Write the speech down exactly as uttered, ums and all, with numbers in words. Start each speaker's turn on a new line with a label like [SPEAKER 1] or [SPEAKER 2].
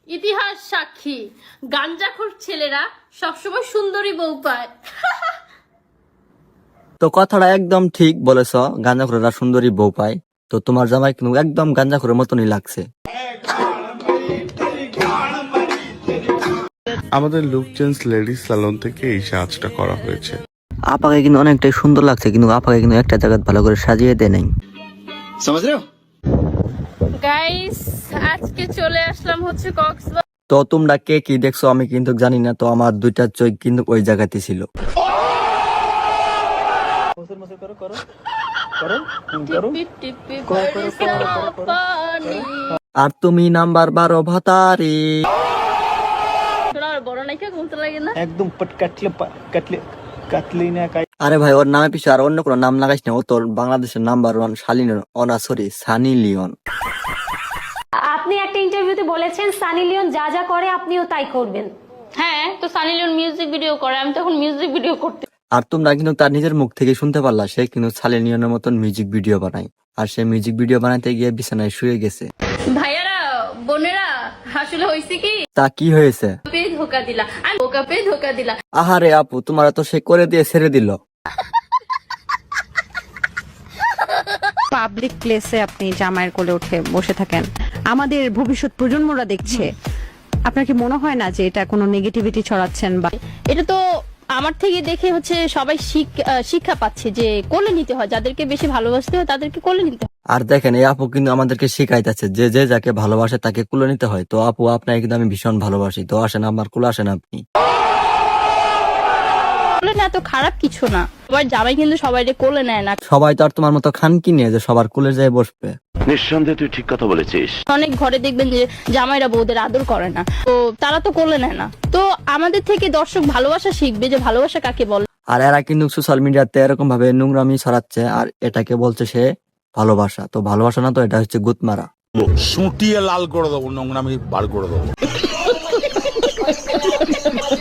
[SPEAKER 1] ইতিহাস সাক্ষী গাঞ্জাখোর ছেলেরা সবসময় সুন্দরী বউ পায়।
[SPEAKER 2] তো কথাটা একদম ঠিক বলেছ, গাঁজাখোরেরা সুন্দরী বউ পায়। তো তোমার জামাই কিন্তু একদম গাঁজাখোরের মতনই লাগছে।
[SPEAKER 3] আমাদের লুক চেঞ্জ লেডিস সালন থেকে এই সাজটা করা হয়েছে।
[SPEAKER 2] আপাকে কিন্তু অনেকটাই সুন্দর লাগছে, কিন্তু আপাকে কিন্তু একটা জায়গা ভালো করে সাজিয়ে দেয় নাই।
[SPEAKER 1] গাইস আজকে চলে আসলাম হচ্ছে কক্সবাজার।
[SPEAKER 2] তো তোমরা কে কি দেখছো আমি কিন্তু জানি না, তো আমার দুইটা চোখ কিন্তু ওই জায়গাতে ছিল।
[SPEAKER 1] টিপি টিপি বরসা পানি।
[SPEAKER 2] আর তুমি নাম্বার বারো ভাতারি।
[SPEAKER 1] শোনার বড় নাইকা ঘুমতে লাগে না।
[SPEAKER 4] একদম পট কাটলে কাটলে কাটলি না কাই।
[SPEAKER 2] আরে ভাই, ওর নামে পিছনে আর অন্য কোনো নাম লাগাইস না। ও তোর বাংলাদেশের নাম্বার ওয়ান শালিন অনা সরি সানি লিওন।
[SPEAKER 5] আপনি একটা ইন্টারভিউতে বলেছেন সানি লিওন যা যা করে আপনিও তাই করবেন।
[SPEAKER 1] হ্যাঁ, তো সানি লিওন মিউজিক ভিডিও করে, আমি তখন মিউজিক ভিডিও করতে।
[SPEAKER 2] আর তোমরা কিন্তু তার নিজের মুখ থেকে শুনতে পারলা, সে কিন্তু সানি লিওনের মতন মিউজিক ভিডিও বানায়। আর সে মিউজিক ভিডিও বানাতে গিয়ে বিছানায় শুয়ে গেছে।
[SPEAKER 1] ভাইয়ারা বোনেরা আসলে হয়েছে কি,
[SPEAKER 2] তা কি হয়েছে?
[SPEAKER 1] পে ধোকা দিলা, আমি বোকা পে ধোকা দিলা।
[SPEAKER 2] আহারে আপু, তোমার তো সে করে দিয়ে ছেড়ে দিল।
[SPEAKER 6] পাবলিক প্লেসে আপনি জামাইয়ের কোলে উঠে বসে থাকেন, আমাদের ভবিষ্যৎ প্রজন্মরা দেখছে, আপনার কি মনে হয় না যে এটা কোনো নেগেটিভিটি ছড়াচ্ছেন? বা
[SPEAKER 1] এটা তো আমার থেকে দেখে হচ্ছে সবাই শিখ- আহ, শিক্ষা পাচ্ছে যে কোলে নিতে হয়, যাদেরকে বেশি ভালোবাসতে হয় তাদেরকে কোলে নিতে হয়।
[SPEAKER 2] আর দেখেন, এই আপু কিন্তু আমাদেরকে শিখাইতেছে যে যে যাকে ভালোবাসে তাকে কুলে নিতে হয়। তো আপু, আপনাকে কিন্তু আমি ভীষণ ভালোবাসি, তো আসেন আমার কুলে আসেন আপনি।
[SPEAKER 1] কোলে না এত খারাপ কিছু না, সবার জামাই কিন্তু সবাই কোলে নেয় না।
[SPEAKER 2] সবাই তো আর তোমার মতো খান কি নিয়ে যে সবার কুলে যায় বসবে।
[SPEAKER 7] নিঃসন্দেহে তুই ঠিক কথা বলেছিস।
[SPEAKER 1] অনেক ঘরে দেখবেন যে জামাইরা বউদের আদর করে না, তো তারা তো কোলে নেয় না। তো আমাদের থেকে দর্শক ভালোবাসা শিখবে যে ভালোবাসা কাকে বলে।
[SPEAKER 2] আর এরা কিন্তু সোশ্যাল মিডিয়াতে এরকম ভাবে নোংরামি ছড়াচ্ছে, আর এটাকে বলছে সে ভালোবাসা। তো ভালোবাসা না, তো এটা হচ্ছে গুতমারা।
[SPEAKER 8] সুটিয়ে লাল করে দেবো, নোংরামি বার করে দেবো।